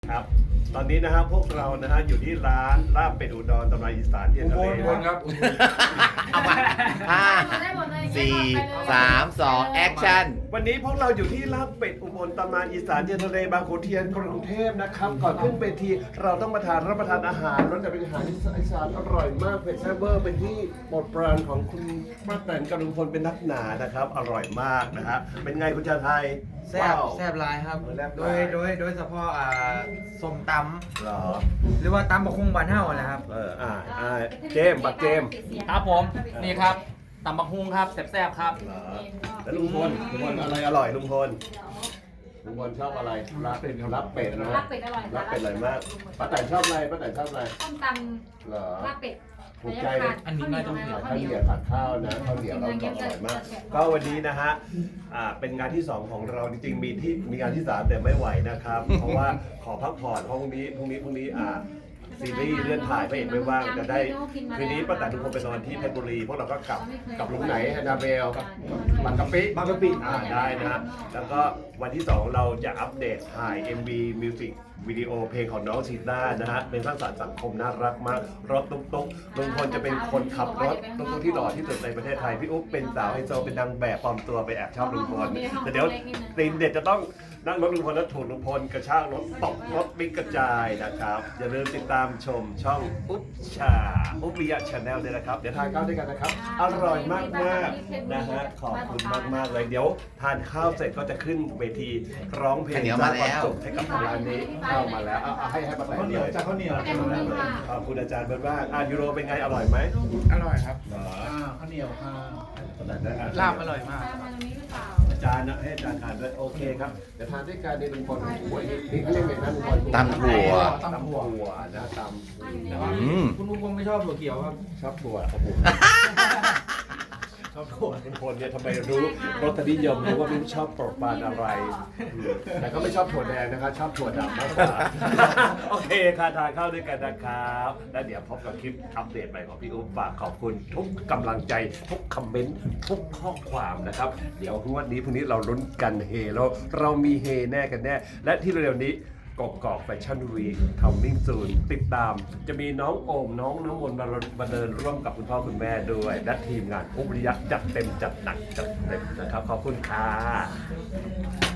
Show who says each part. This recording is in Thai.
Speaker 1: ครับตอนนี้นะฮะพวกเรานะฮะอยู่ที่ร้านลาบเป็ดอุดรตำนานอีสานเทียนทะเล
Speaker 2: อุบลครับ
Speaker 3: เอามาห้าสี่สามสองแอคชั่น
Speaker 1: วันนี้พวกเราอยู่ที่ลาบเป็ดอุบลตำนานอีสานเทียนทะเลบางขุนเทียนกรุงเทพนะครับก่อนขึ้นเวทีเราต้องมารับประทานอาหารรสจะเป็นอาหารอีสานอร่อยมากเผ็ดแซ่บเวอร์เป็นที่โปรดปรานของคุณป้าแตนกำลังพลเป็นนักหนานะครับอร่อยมากนะฮะเป็นไงคุณชาไทย
Speaker 4: แซ่บ
Speaker 1: ว้าว
Speaker 4: แซ่บหลายครับ
Speaker 1: แซ่บห
Speaker 4: โด
Speaker 1: ลาย
Speaker 4: โดยเฉพาะส้มต
Speaker 1: เหรอ
Speaker 4: ำหรือว่าตำบะคุงบานเฮานะครับ
Speaker 1: เจมส์บักเจมส์
Speaker 5: ครับผมนี่ครับตำบักฮุงครับแซ่บๆครับ
Speaker 1: เหรอแล้วลุงพลอะไรอร่อยลุงพลชอบอะไรลาบเป็ดนะ
Speaker 6: ลาบเป็ดอร่อย
Speaker 1: ลาบเป็ดอร่อยมากป้าแตนชอบอะไรป้าแตนชอบอะไร
Speaker 6: ต้มต
Speaker 1: เหรอ
Speaker 6: ำลาบเป็ด
Speaker 1: ถูกใจ
Speaker 5: อันนี้น่าจะ
Speaker 1: ข้าวเหนียวผัดข้าวนะข้าวเหนียวเราก็อร่อยมาก ก็วันนี้นะฮะเป็นงานที่ 2 ของเราจริงๆมีงานที่ 3 แต่ไม่ไหวนะครับ เพราะว่าขอพักผ่อนเพราะพรุ่งนี้ซีรีส์เลื่อนถ่ายพระเอกไม่ว่างจะได้คืนนี้ป้าแตนทุกคนไปนอนที่เพชรบุรีพวกเราก็กลับลุงไหนแอนนาเบลบางกะปิได้นะฮะแล้วก็วันที่ 2 เราจะอัปเดตถ่าย MV Music วิดีโอเพลงของน้องซีต้านะฮะเป็นสร้างสรรค์สังคมน่ารักมากรถตุ๊กลุงพลจะเป็นคนขับรถตุ๊กที่หล่อที่สุดในประเทศไทยพี่อุ๊บเป็นสาวไฮโซเป็นนางแบบปลอมตัวไปแอบชอบลุงพลแต่เดี๋ยวตีนเด็ดจะต้องนั่งรถลุงพลแล้วถูกลุงพลกระชากรถตกรถบิ๊กกระจายนะครับอย่าลืมติดตามชมช่องอุ๊บวิยะชาแนลด้วยนะครับเดี๋ยวทานข้าวด้วยกันนะครับอร่อยมากๆนะฮะขอบคุณมากๆเลยเดี๋ยวทานข้าวเสร็จก็จะขึ้นเวทีร้องเพลง
Speaker 3: ข้าวเหนียวมาแล้ว
Speaker 1: สร้งคสุขให้กับทางร้านนี้เข้ามาแล้วเอาให้ป้าแตนเลย
Speaker 2: ข้าวเหนียว
Speaker 1: ขอบคุณอาจารย์เบิร์ดว่างยูโรเป็นไงอร่อยไหม
Speaker 4: อร่อยครับ
Speaker 1: เหรอ
Speaker 2: ข้าวเหนียวค่ะ
Speaker 4: ลาบอร่อยมาก
Speaker 6: ตามมาตรงนี้หรือเปล่า
Speaker 1: อาจารย์นะให้อาจารย์ทานด้วยโอเคครับเดี๋ยวทานด้วยกันในลุงพลโอ้ยนี่เขาเรียกอะไรนะลุงพล
Speaker 3: ตำถั่ว
Speaker 1: ตำถั่วนะตำ
Speaker 3: อืม
Speaker 4: คุณลุงคงไม่ชอบถั่วเขียวครับ
Speaker 1: ชอบถั่วโอ้โหชอบถั่วลุงพลเนี่ยทำไมรู้รสนิยมรู้ว่าไม่ชอบโปรดปรานอะไรแต่ก็ไม่ชอบถั่วแดงนะครับชอบถั่วดำมากกว่าโอเคค่ะทานข้าวด้วยกันนะครับแล้วเดี๋ยวพบกับคลิปอัปเดตใหม่ของพี่อุ๊บฝากขอบคุณทุกกำลังใจทุกคอมเมนต์ทุกข้อความนะครับเดี๋ยวพรุ่งนี้เราลุ้นกันเฮแล้วเรามีเฮแน่กันแน่และที่เร็วๆนี้กอกแฟชั่นวีคคัมมิ่งซูนติดตามจะมีน้องโอมน้องน้ำมนต์มาเดินร่วมกับคุณพ่อคุณแม่ด้วยและทีมงานอุ๊บวิริยะจัดเต็มจัดหนักจัดเต็มนะครับขอบคุณค่ะ